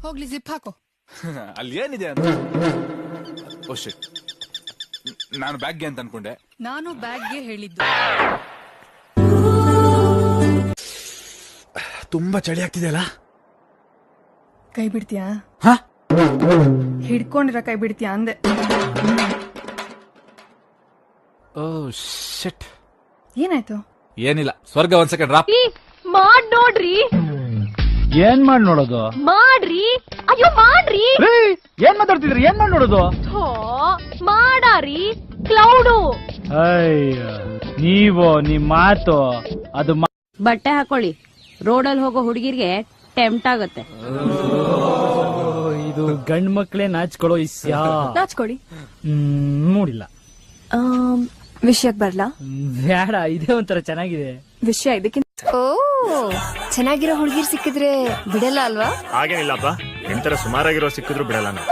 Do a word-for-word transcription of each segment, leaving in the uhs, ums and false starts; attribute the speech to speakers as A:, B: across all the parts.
A: ಹೋಗ್ಲಿ ಜಿಪ್ ಹಾಕೋ.
B: ಅಲ್ಲಿ ಏನಿದೆ ಅಂತ. ಓ ಶಿಟ್, ನಾನು ಬ್ಯಾಗ್ಗೆ ಅಂತ ಅನ್ಕೊಂಡೆ.
A: ನಾನು ಬ್ಯಾಗ್ಗೆ ಹೇಳಿದ್ದು.
C: ತುಂಬಾ ಚಳಿ ಆಗ್ತಿದೆ ಅಲ್ಲ.
A: ಕೈ ಬಿಡ್ತೀಯಾ?
C: ಹಾ,
A: ಹಿಡ್ಕೊಂಡಿರ ಕೈ ಬಿಡ್ತೀಯಾ ಅಂದೆ.
C: ಓ ಶಿಟ್.
A: ಏನಾಯ್ತು?
C: ಏನಿಲ್ಲ, ಸ್ವರ್ಗ ಒಂದ್ ಸೆಕೆಂಡ್ ರಾಪ್.
D: ಮಾಡ್ ನೋಡ್ರಿ.
E: ಏನ್ ಮಾಡ್ ನೋಡೋದು?
D: ಮಾಡ್ರಿ, ಅಯ್ಯೋ ಮಾಡ್ರಿ.
E: ಏನ್ ಮಾತಾಡ್ತಿದ್ರಿ? ಏನ್ ಮಾಡ್ ನೋಡೋದು?
D: ಮಾಡಾರಿ ಕ್ಲೌಡು.
E: ಅಯ್ಯ, ನೀವು ನಿಮ್ ಮಾತು ಅದು.
F: ಬಟ್ಟೆ ಹಾಕೊಳ್ಳಿ, ರೋಡಲ್ಲಿ ಹೋಗೋ ಹುಡುಗಿರ್ಗೆ ಟೆಂಪ್ಟ್ ಆಗುತ್ತೆ.
E: ಇದು ಗಂಡ್ ಮಕ್ಳೇ ನಾಚ್ಕೊಳ್ಳೋ ಇಸ್ಯಾ.
G: ನಾಚ್ಕೊಳ್ಳಿ.
E: ಹ್ಮ್, ನೋಡಿಲ್ಲ.
G: ವಿಷಯಕ್ ಬರ್ಲಾ?
E: ಬೇಡ, ಇದೇ ಒಂಥರ ಚೆನ್ನಾಗಿದೆ
G: ವಿಷಯ. ಇದಕ್ಕಿಂತ ಓ ಚೆನ್ನಾಗಿರೋ ಹುಡುಗಿರ್ ಸಿಕ್ಕಿದ್ರೆ ಬಿಡಲ್ಲ ಅಲ್ವಾ?
H: ಹಾಗೇನಿಲ್ಲಪ್ಪ, ಎಂತರ ಸುಮಾರಾಗಿರೋ ಸಿಕ್ಕಿದ್ರು ಬಿಡಲ್ಲ ನಾನು.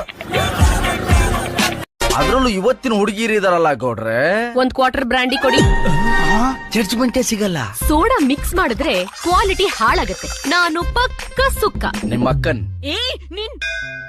I: ಅದ್ರಲ್ಲೂ ಇವತ್ತಿನ ಹುಡುಗಿರಿ ಇದಾರಲ್ಲ ಗೌಡ್ರೆ.
D: ಒಂದ್ ಕ್ವಾರ್ಟರ್ ಬ್ರಾಂಡಿ ಕೊಡಿ.
I: ಜಡ್ಜ್ಮೆಂಟೇ ಸಿಗಲ್ಲ.
D: ಸೋಡಾ ಮಿಕ್ಸ್ ಮಾಡಿದ್ರೆ ಕ್ವಾಲಿಟಿ ಹಾಳಾಗತ್ತೆ. ನಾನು ಪಕ್ಕ ಸುಕ್ಕ.
I: ನಿಮ್ಮ ಅಕ್ಕನ್
D: ಏ ನಿನ್